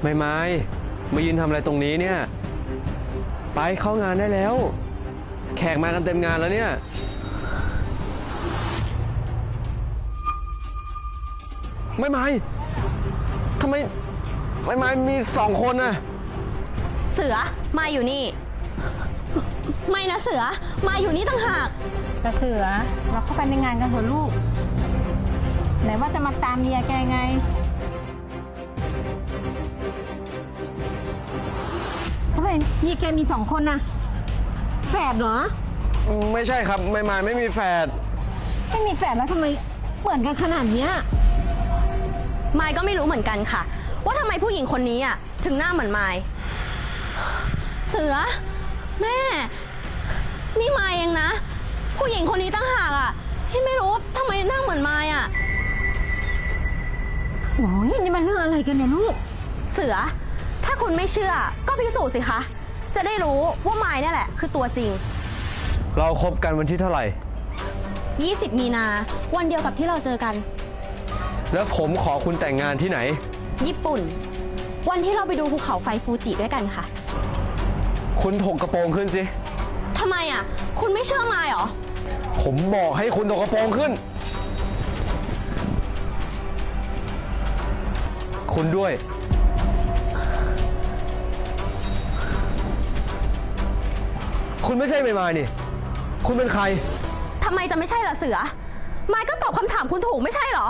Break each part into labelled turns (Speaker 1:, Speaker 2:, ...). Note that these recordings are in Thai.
Speaker 1: ไม่มายืนทำอะไรตรงนี้เนี่ยไปเข้างานได้แล้วแขกมากันเต็มงานแล้วเนี่ยไม่ทำไมไม่มี2 คนน่ะ
Speaker 2: เสือมาอยู่นี่ไม่นะเสือมาอยู่นี่ต่างหาก
Speaker 3: แต่เสือเราเข้าไปในงานกันเถอะลูกไหนว่าจะมาตามเมียแกไงทำไมเมียแกมี2 คนนะแฝดเหรอ
Speaker 1: ไม่ใช่ครับไม่มีแฝด
Speaker 3: ไม่มีแฝดแล้วทำไมเหมือนกันขนาดเนี้ย
Speaker 2: มายก็ไม่รู้เหมือนกันค่ะว่าทำไมผู้หญิงคนนี้อ่ะถึงหน้าเหมือนมายเสือแม่นี่มายเองนะผู้หญิงคนนี้ตั้งหากอ่ะที่ไม่รู้ทำไมหน้าเหมือนมายอ่ะ
Speaker 3: โอ้ยนี่มันเรื่องอะไรกันเนี่ยลูก
Speaker 2: เสือถ้าคุณไม่เชื่อก็พิสูจน์สิคะจะได้รู้ว่ามายนี่แหละคือตัวจริง
Speaker 1: เราคบกันวันที่เท่าไหร่
Speaker 2: 20 มีนาวันเดียวกับที่เราเจอกัน
Speaker 1: แล้วผมขอคุณแต่งงานที่ไหน
Speaker 2: ญี่ปุ่นวันที่เราไปดูภูเขาไฟฟูจิด้วยกันค่ะ
Speaker 1: คุณถกกระโปรงขึ้นสิ
Speaker 2: ทำไมอ่ะคุณไม่เชื่อมายเหรอ
Speaker 1: ผมบอกให้คุณถกกระโปรงขึ้นคุณด้วยคุณไม่ใช่ไม่มานี่คุณเป็นใคร
Speaker 2: ทำไมจะไม่ใช่ล่ะเสือมายก็ตอบคำถามคุณถูกไม่ใช่เหรอ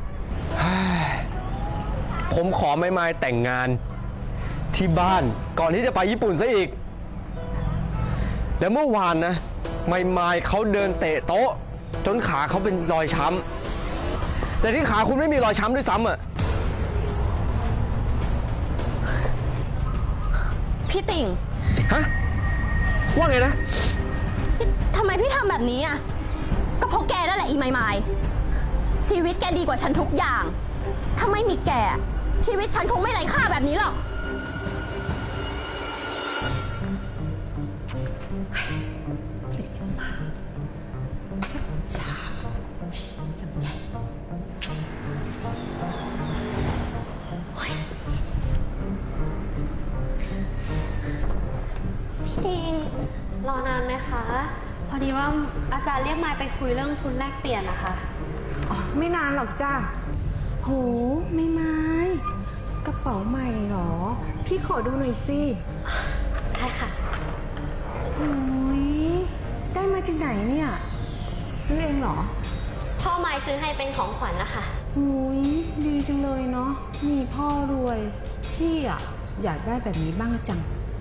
Speaker 1: ผมขอไม่แต่งงานที่บ้านก่อนที่จะไปญี่ปุ่นซะอีกแล้วเมื่อวานนะไม่เขาเดินเตะโต๊ะจนขาเขาเป็นรอยช้ำแต่ที่ขาคุณไม่มีรอยช้ำด้วยซ้ำอ่ะ
Speaker 2: พี่ติ่ง
Speaker 1: ฮะว่าไงนะ
Speaker 2: ทำไมพี่ทำแบบนี้อ่ะก็เพราะแกนั่นแหละอีไมชีวิตแกดีกว่าฉันทุกอย่างถ้าไม่มีแกชีวิตฉันคงไม่ไร้ค่าแบบนี้หรอก
Speaker 4: พี่ติงรอนานไหมคะพอดีว่าอาจารย์เรียกมายไปคุยเรื่องทุนแลกเปลี่ยนนะคะ
Speaker 3: อ๋อไม่นานหรอกจ้าโหไม่กระเป๋าใหม่หรอพี่ขอดูหน่อยสิ
Speaker 4: ได้ค่ะ
Speaker 3: โอ้ยได้มาจากไหนเนี่ยซื้อเองเหรอ
Speaker 4: พ่อมายซื้อให้เป็นของขวัญนะคะ
Speaker 3: โอ้ยดีจังเลยเนาะมีพ่อรวยพี่อ่ะอยากได้แบบนี้บ้างจัง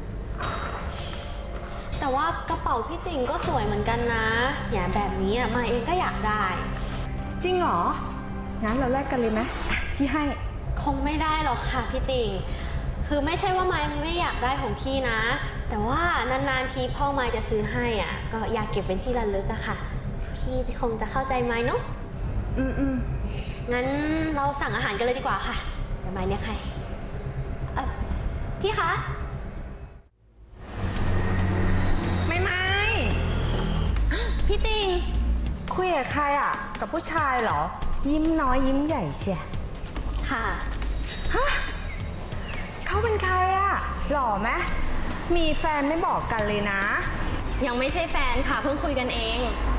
Speaker 4: แต่ว่ากระเป๋าพี่ติ่งก็สวยเหมือนกันนะอย่างแบบนี้อ่ะมายเองก็อยากได้
Speaker 3: จริงเหรองั้นเราแลกกันเลยไหมพี่ให้
Speaker 4: คงไม่ได้หรอกค่ะพี่ติ่งคือไม่ใช่ว่ามายไม่อยากได้ของพี่นะแต่ว่านานๆทีพ่อมายจะซื้อให้อ่ะก็อยากเก็บเป็นที่ระลึกอะค่ะพี่คงจะเข้าใจมายเนาะงั้นเราสั่งอาหารกันเลยดีกว่าค่ะเดี๋ยวมายเนี่ยใครพี่คะพี่ติง
Speaker 3: คุยกับใครอ่ะกับผู้ชายเหรอยิ้มน้อยยิ้มใหญ่เชีย
Speaker 4: ค่ะ
Speaker 3: ฮะเขาเป็นใครอ่ะหล่อไหมมีแฟนไม่บอกกันเลยนะ
Speaker 4: ยังไม่ใช่แฟนค่ะเพิ่งคุยกันเอง